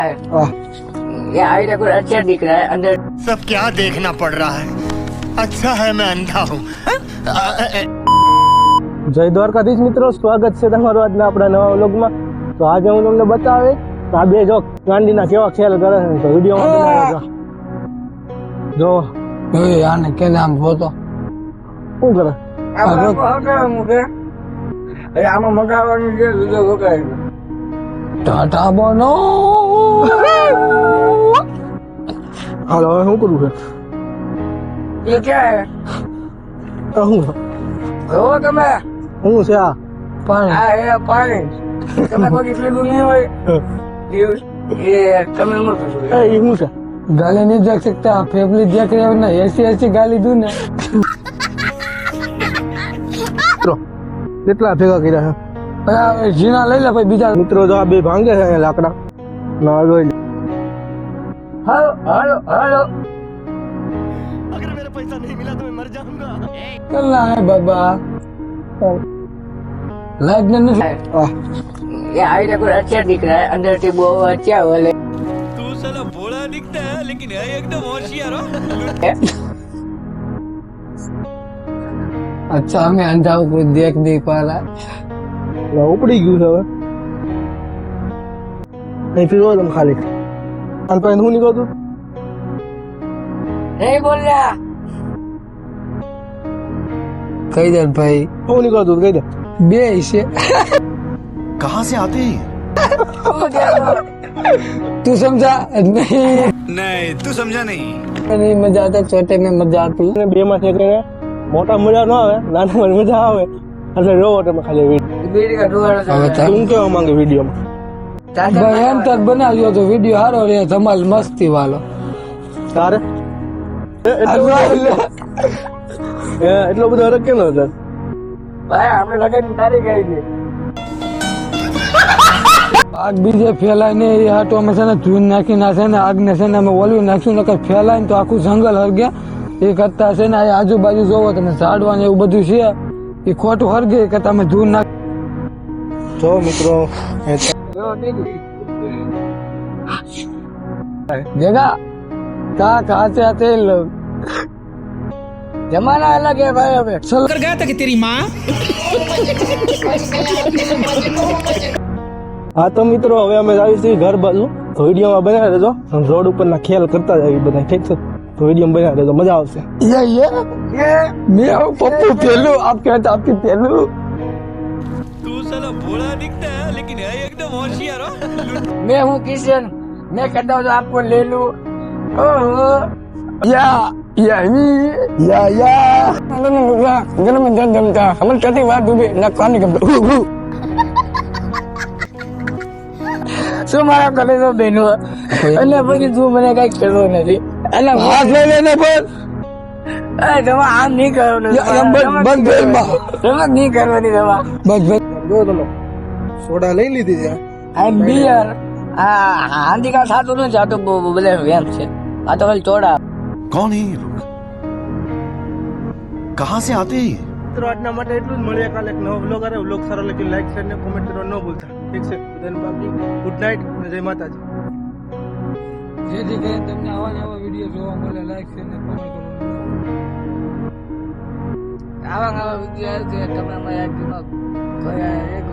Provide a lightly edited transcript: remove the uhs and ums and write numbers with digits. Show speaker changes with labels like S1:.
S1: ये आईडिया कुछ अच्छा दिख रहा है अंदर।
S2: सब क्या देखना पड़ रहा है। अच्छा है मैं अंधा हूँ।
S3: જય દ્વારકાધીશ મિત્રો, સ્વાગત છે તમારું આજના આપણા નવા વ્લોગમાં। તો આજે હું તમને બતાવે આ બે જો ગાંડીના કેવા ખેલ કરે છે, તો વિડીયોમાં બનાવ્યો જો
S4: આને કે નામ બોતો
S3: શું કરે
S1: આમાં મગાવવાનું છે વિડીયો વગાડે
S4: ટાટા બનો
S3: હાલો હવે શું કરવું છે?
S1: ये क्या है
S3: શું
S1: वो તમે
S3: શું છે આ?
S4: પાણી
S1: આ એ પાણી તમે કોઈ પીલું નહીં હોય ये તમે ન પૂછો
S3: એ શું છે?
S4: गाली नहीं देख सकता, फैमिली देख रहे हो ना, ऐसी ऐसी गाली दूं ना।
S3: મિત્રો કેટલા ભેગા કર્યા છે
S4: जीना ले ले भाई बीजा
S3: મિત્રો? જો આ બે ભાંગે છે અહીંયા લાકડા ના જોઈ લે।
S1: हेलो हेलो हेलो
S2: अगर मेरा पैसा नहीं मिला तो मैं मर जाऊंगा।
S4: करना है बाबा लाइक ने नहीं
S3: આ
S1: ये आईडिया कुछ अच्छा दिख रहा है अंदर से वो अच्छा वाले
S2: तू साला भोला दिखता है लेकिन है एकदम होशियार हो।
S4: अच्छा हमें अंधा कोई देख नहीं पा रहा है।
S3: ઉપડી ગયું છે હવે નહીં પીવો તમે ખાલી અને પછી શું નીકળતું
S1: नहीं बोल रहा
S4: कही दे भाई
S3: શું નીકળતું કહી દે।
S4: बे इसे
S2: कहाँ से आते हैं?
S4: तू समझा नहीं
S2: नहीं तू समझा नहीं।
S4: नहीं मजा आता, छोटे में मजा आती।
S3: બે માં છે કરીને મોટા મજા ન આવે, નાના મજા આવે એટલે રોવો તમે ખાલી
S1: बीड़ी का डोरा
S4: હવે
S3: શું કેવા માંગે વિડીયોમાં?
S4: ભાઈ એમ તક બનાવ્યો તો વિડીયો સારો રે, ધમાલ મસ્તી વાળો।
S3: તારે એટલો બધો હરક કેમ હતો?
S1: भाई हमने लगे तारीख आई थी
S4: આગ બીજે ફેલાય ને એ હાટો અમે છે ને ધૂન નાખી નાખે ને આગને છે ને અમે ઓલવી નાખ્યું નકર ફેલાય ને તો આખું જંગલ હરગે। એ કરતા છે ને આ આજુબાજુ જોવો તમે ઝાડવા ને એવું બધું છે એ ખોટું હરગે કે તમે ધૂન નાખ
S3: જો મિત્રો
S4: देगा कहा कहा से आते हैं लोग।
S1: जमाना अलग है भाई अबे
S4: चल
S5: कर गया था कि तेरी माँ
S3: હા તો મિત્રો હવે અમે આવીશું ઘર બાજુ, તો વિડીયોમાં બનાવી દેજો। રોડ ઉપરના ખેલ કરતા જાય બધા, ઠીક છે? તો વિડીયો બનાવી દેજો, મજા આવશે।
S4: ये मैं हूँ पप्पू पेलू, आप कहते आपकी पेलू।
S2: तू साला भोला दिखता है लेकिन है एकदम होशियार हो।
S1: मैं हूँ किशन, मैं कहता हूँ तो आपको ले लूं। ओहो
S4: या गलम जमता हमन कहती बात डूबे ना कान गमता
S1: શું મારા કરે તો બેનો અને પછી તું મને કઈ કહેતો નથી એટલે
S4: हाथ ले लेने पर
S1: તમે આમ નહીં કરો ને
S4: बस बेल माँ
S1: તમે નહીં કરવાની દવા
S4: बस बस
S3: જો તમે સોડા લઈ લીધી છે?
S1: આ બિયર આ હાંડીકા સાતું નથી, આ તો બધા વેમ છે, આ તો ખાલી ચોડા।
S2: कौन है ये लोग? कहाँ से आते हैं?
S3: મિત્રો આજના માટે એટલું જ। મળીએ કાલે એક નવો વ્લોગ આવે। વ્લોગ સારો લાગે લાઈક શેર ને કોમેન્ટ કરવા ન ભૂલતા, ઠીક છે? બધાને બાકી ગુડ નાઇટ અને જય માતાજી।
S4: જેથી કરીને તમને આવા ને આવા વિડીયો જોવા મળે, લાઈક શેર ને કોમેન્ટ કરવાનું।
S1: આવા વિડીયો આવે છે તમે અમારા